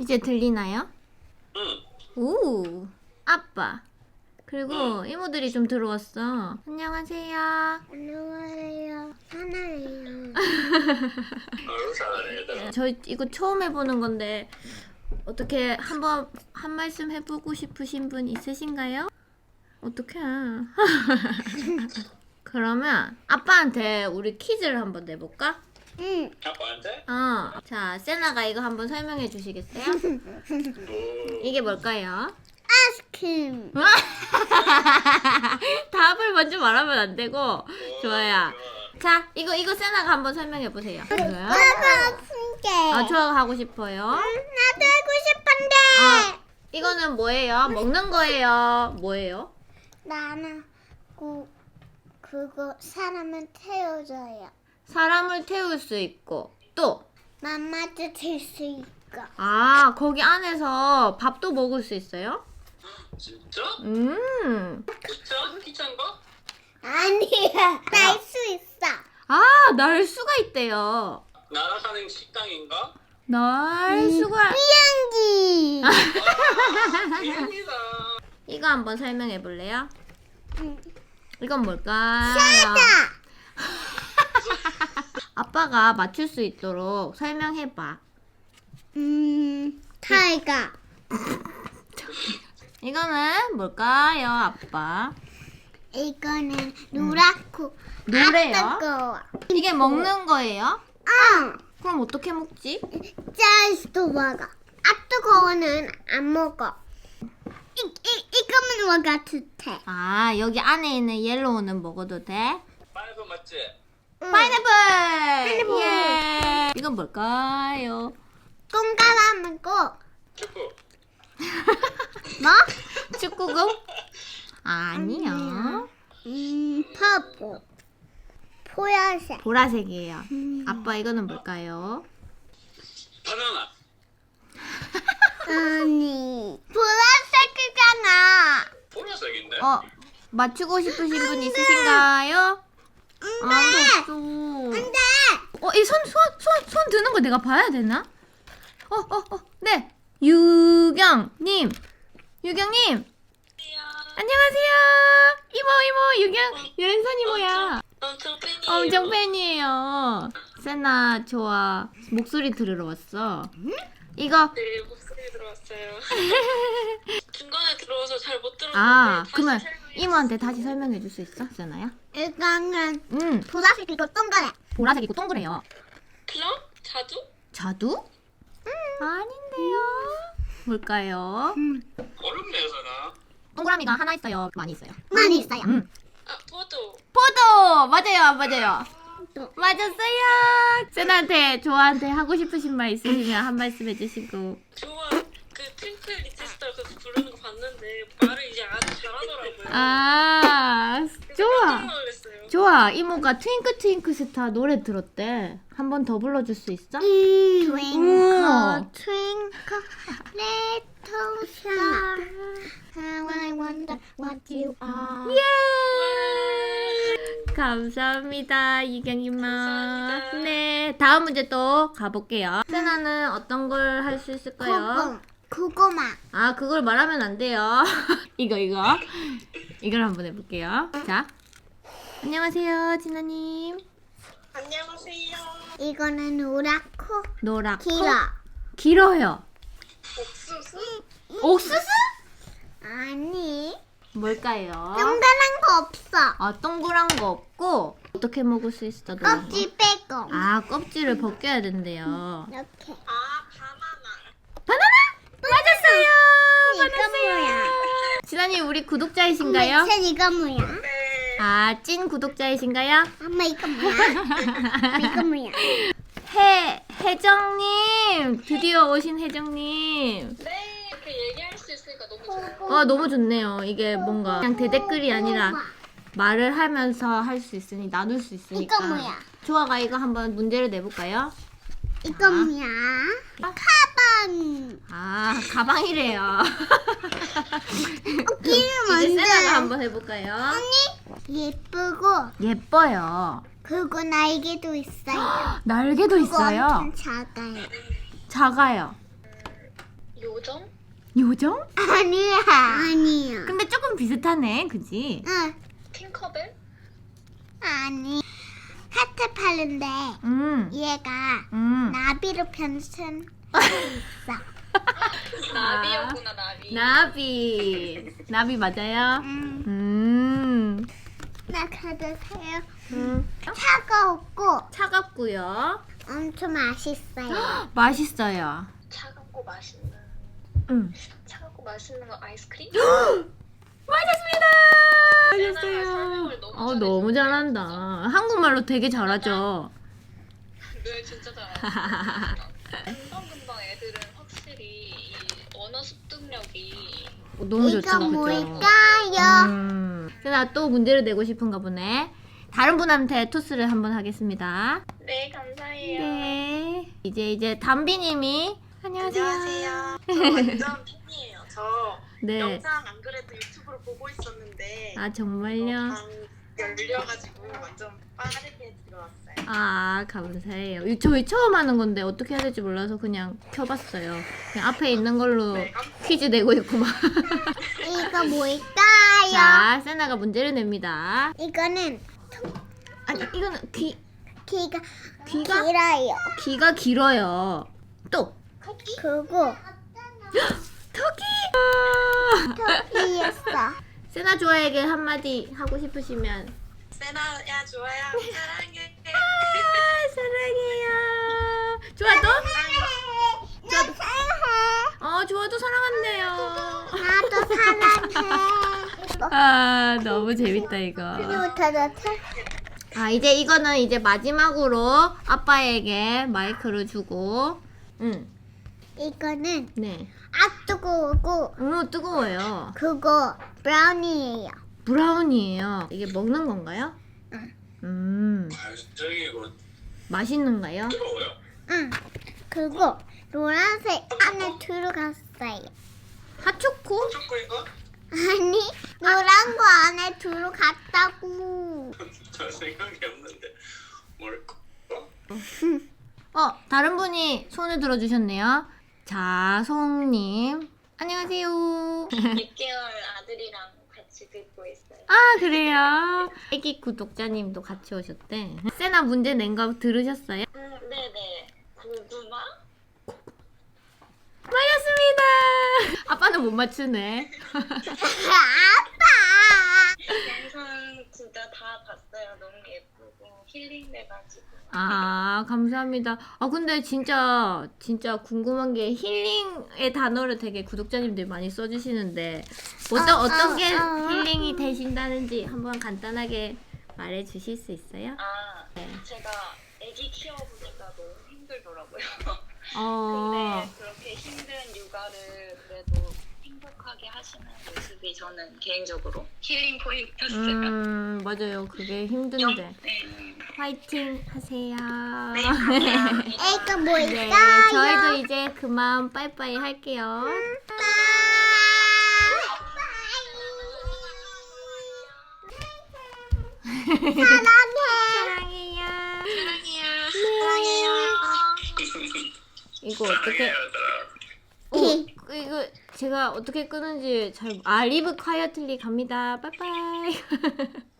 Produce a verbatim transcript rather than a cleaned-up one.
이제 들리나요? 응. 오, 아빠. 그리고 이모들이 좀 들어왔어. 안녕하세요. 안녕하세요. 하나예요. 어우 잘하네 얘들아. 저 이거 처음 해보는 건데 어떻게 한번 한 말씀 해보고 싶으신 분 있으신가요? 어떡해. 그러면 아빠한테 우리 퀴즈를 한번 내볼까? 응. 아빠한테? 어. 자, 세나가 이거 한번 설명해 주시겠어요? 뭐 이게 뭘까요? 아이스크림. 답을 먼저 말하면 안 되고. 좋아요. 좋아. 자, 이거 이거 세나가 한번 설명해 보세요. 이거요? 나도 아픈데. 아, 좋아가 하고 싶어요. 나도 하고 싶은데. 아, 이거는 뭐예요? 먹는 거예요? 뭐예요? 나는 그 그거 사람을 태워줘요. 사람을 태울 수 있고 또 맘마도 들 수 있고. 아, 거기 안에서 밥도 먹을 수 있어요? 진짜? 음. 진짜? 기차인가? 아니야. 날 수 있어. 아, 날 수가 있대요. 날아가는 식당인가? 날 수가. 비행기. 아, 비행기다. 이거 한번 설명해 볼래요? 응. 이건 뭘까요? 자. 아빠가 맞출 수 있도록 설명해 봐. 음. 타이거. 이거는 뭘까요, 아빠? 이거는 노랗고 노래요? 아, 뜨거워. 이게 먹는 거예요? 응. 그럼 어떻게 먹지? 짜이스도 먹어. 아 뜨거워는 안 먹어. 이, 이, 이거만 먹어 좋대. 아, 여기 안에 있는 옐로우는 먹어도 돼? 파인애플 맞지? 파인애플! 예! 이건 뭘까요? 동그라미고 축구. 뭐? 축구공? 아니요. 음, 퍼플. 보라색. 보라색이에요. 음. 아빠, 이거는 뭘까요? 바나나. 아니, 보라색이잖아. 보라색인데? 어, 맞추고 싶으신 분 있으신가요? 아무도 없어. 안돼. 어, 이 손, 손, 손, 손 드는 거 내가 봐야 되나? 어, 어, 어, 네. 유경님. 유경님. 안녕하세요. 이모, 이모, 유경, 유ren선 이모야. 엄청 팬이에요. 엄청 팬이에요. 세나, 좋아. 목소리 들으러 왔어. 이거, 네, 목소리 들어왔어요. 중간에 들어와서 잘 못 들었는데 아, 다시 그러면 설명해 이모한테 다시 설명해 줄 수 있어, 세나야? 이거는 음, 보라색이고 동그래. 보라색이고 동그래요. 클럽? 자두? 자두? 아닌데요. 뭘까요? 어렵네 서나. 동그라미가 하나 있어요. 많이 있어요. 많이 있어요. 음. 아, 포도. 포도! 맞아요, 맞아요. 또. 맞았어요. 세나한테, 조아한테 하고 싶으신 말 있으시면 한 말씀 해주시고. 좋아. 그 트윙클 리틀 스타 그래서 부르는 거 봤는데 말을 이제 아주 잘하더라고요. 아, 좋아. 깜짝 놀랐어요. 좋아. 이모가 트윙크 트윙크 스타 노래 들었대. 한 번 더 불러줄 수 있어? Twinkle, twinkle, little star, how I wonder what you are. 예! 감사합니다, 이경이마. 감사합니다. 네, 다음 문제 또 가볼게요. 세나는 어떤 걸 할 수 있을까요? 그거, 그거만. 아, 그걸 말하면 안 돼요. 이거, 이거. 이걸 한번 해볼게요. 자. 안녕하세요, 진아님. 안녕하세요. 이거는 노랗고 노랗고. 길어. 길어요. 옥수수? 옥수수? 아니, 뭘까요? 동그란 거 없어. 아, 동그란 거 없고, 어떻게 먹을 수 있어, 노란 거? 껍질 빼고. 아, 껍질을 벗겨야 된대요. 이렇게. 아, 바나나. 바나나? 맞았어요! 이거 뭐야? 진아님, 우리 엄마, 구독자이신가요? 이거 이거 뭐야? 네. 아, 찐 구독자이신가요? 엄마 이거 뭐야? 이거 뭐야? 해, 혜정님! 드디어 오신 혜정님. 네, 이렇게 얘기할 수 있으니까 너무 좋아요. 아, 너무 좋네요. 이게 뭔가 그냥 대댓글이 아니라 말을 하면서 할 수 있으니, 나눌 수 있으니까. 이거 뭐야? 조아가 이거 한번 문제를 내볼까요? 이거 뭐야? 가방. 아, 가방이래요. 끼는 이제 세나가 뭔데? 한번 해볼까요? 예쁘고 예뻐요. 그리고 날개도 있어요. 날개도 그거 있어요. 엄청 작아요. 작아요. 요정? 요정? 아니야. 아니야. 근데 조금 비슷하네, 그지? 응. 팅커벨? 아니. 하트 파는데 음, 얘가 음. 나비로 변신. 나비였구나 나비. 나비. 나비 맞아요? 음. 음. 나 가져세요. 음. 차가웠고 차갑고요. 엄청 맛있어요. 맛있어요. 차갑고 맛있는. 음. 차갑고 맛있는 거 아이스크림? 맞았습니다. 세나가 맞았어요. 설명을 너무 어, 너무 잘해주네, 잘한다. 한국말로 되게 잘하죠. 네 진짜 잘하시네. 금방금방 애들은 확실히 이 언어 습득력이 어, 너무 좋죠, 이거 그죠? 뭘까요? 음. 세나 또 문제를 내고 싶은가 보네. 다른 분한테 토스를 한번 하겠습니다. 네 감사해요. 네. 이제 이제 담비님이 안녕하세요. 안녕하세요. 저 완전 팬이에요. 저 네. 영상 안 그래도 유튜브로 보고 있었는데 아 정말요? 방 열려가지고 완전 빠르게 들어왔어요. 아 감사해요. 이- 저희 처음 하는 건데 어떻게 해야 될지 몰라서 그냥 켜봤어요. 그냥 앞에 있는 걸로 네, 깜- 퀴즈 내고 있고 막. 이거 뭘까요? 자, 세나가 문제를 냅니다. 이거는 아니 이거는 귀 귀가 귀가? 길어요. 귀가 길어요. 또 그리고 토끼. 토끼였어. 세나 좋아에게 한마디 하고 싶으시면 세나야 좋아요. 사랑해. 아, 사랑해요. 좋아 또? 나 사랑해. 어 좋아도 사랑한대요. 나도 사랑해. 아 너무 재밌다 이거. 그리고 더 아 이제 이거는 이제 마지막으로 아빠에게 마이크를 주고. 응. 이거는 네. 아 뜨거우고 어 뜨거워요. 그거 브라운이에요. 브라운이에요. 이게 먹는 건가요? 음 아, 저기 이거 맛있는가요? 뜨거워요? 응. 그거 노란색 안에 들어갔어요. 핫초코? 초코인가? 아니 노란 거 안에 들어갔다고. 잘 생각이 없는데 뭘까? 어 다른 분이 손을 들어주셨네요. 자송님 안녕하세요. 육 개월 아들이랑 같이 듣고 있어요. 아 그래요? 애기 구독자님도 같이 오셨대. 세나 문제 낸 거 들으셨어요? 음, 네네. 고구마? 맞았습니다. 아빠는 못 맞추네. 아빠. 영상 진짜 다 봤어요. 너무 예쁘고 힐링돼가지고. 아 감사합니다. 아 근데 진짜 진짜 궁금한 게 힐링의 단어를 되게 구독자님들 많이 써주시는데 어떤 아, 어떤 아, 게 아. 힐링이 되신다는지 한번 간단하게 말해 주실 수 있어요? 아, 네. 제가 아기 키워보니까 너무 힘들더라고요. 어. 근데 그렇게 힘든 육아를 그래도 행복하게 하시는 모습이 저는 개인적으로 힐링 포인트였어요. 음 맞아요. 그게 힘든데 네. 화이팅 하세요. 네, 감사합니다. 이거 네, 뭘까요? 저희도 이제 그만 빠이빠이 할게요. 사랑해. 사랑해요. 사랑해요. 사랑해요. 이거 어떻게? 어, 이거 제가 어떻게 끄는지 잘. 아 리브 콰이어틀리 갑니다. 빠이빠이.